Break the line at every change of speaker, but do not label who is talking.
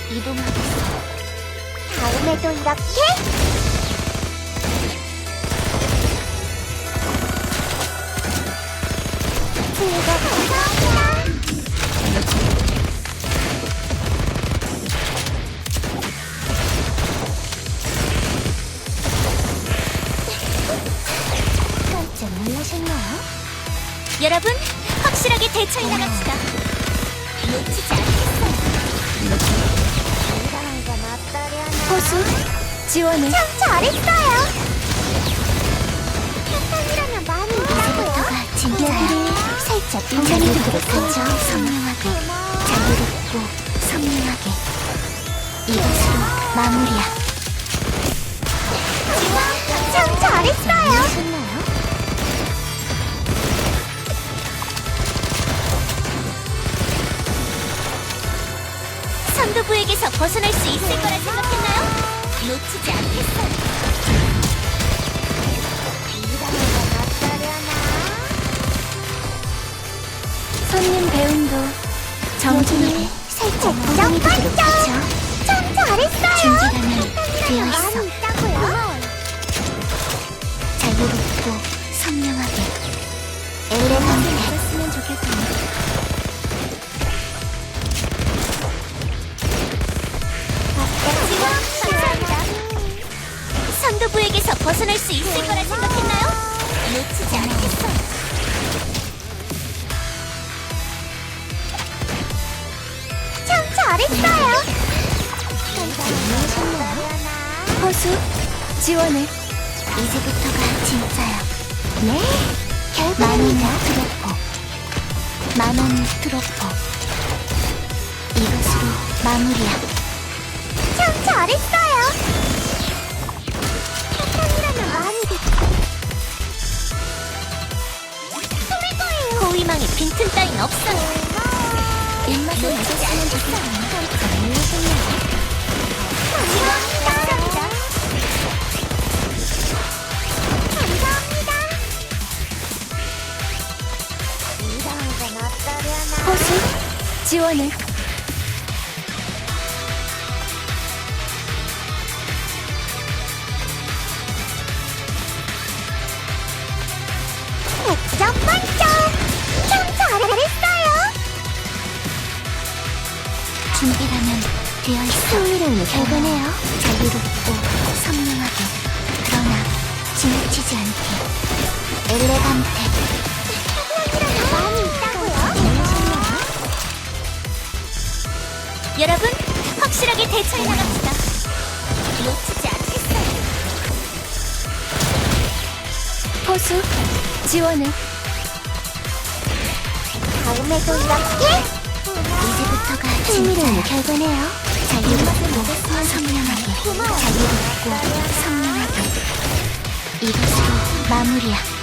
이동하겠어. 다음에도 이렇게? 감사합니다. 깜짝 놀라셨나요?
여러분, 확실하게 대처해 나갑시다. 놓치지 않겠어요.
이상한 건 어떠려나?
호수, 지원을.
참 잘했어요. 사탕이라면 많이 있다고요.
이제부터가 진짜야.
살짝
동산이
빈자리도
되도록
그렇죠.
하죠. 선명하게,
고마워.
자유롭고 선명하게. 이것으로 마무리야.
참 잘했어요.
하셨나요? 선두부에게서 벗어날 수 있을 거라 생각했나요? 놓치지 않겠어요.
이상한 건 어떠려나?
손님 배움도 정중하게
살짝
동산이 되도록 하죠.
참 잘했어요.
준비라면 되어 있어.
많이 있다고요.
자유롭고 선명하게. 엘레강에 알았으면 좋겠군요. 감사합니다. 선두부에게서 벗어날 수 있을 거라 생각했나요? 놓치지 않겠어.
참 잘했어요.
호수, 지원을. 이제부터가 진짜야.
네,
만원 트로퍼. 만원 트로퍼. 이것으로 마무리야.
참 잘했어요. 사탕이라면 많이 소릴 거예요.
호위망에 빈틈 따윈 없어요. 입맛을
놓치지
맞았으면
않겠어요.
좋겠어요.
감사합니다. 감사합니다. 이상한 건 어떠려나?
호수, 지원을.
백점 만점! 참 잘했어요!
준비라면 되어 있어.
흥미로운 결과네요.
자유롭고 선명하게. 그러나 지나치지 않게. 엘레간테.
사탕이라면 많이 있다고요?
여러분, 확실하게 대처해 나갑시다. 놓치지 않겠어요. 호수, 지원을.
다음에도 이렇게?
이제부터가
흥미로운
진짜야.
결과네요.
자유롭고 선명하게.
고마워요.
자유롭고 선명하게. 이것으로 마무리야.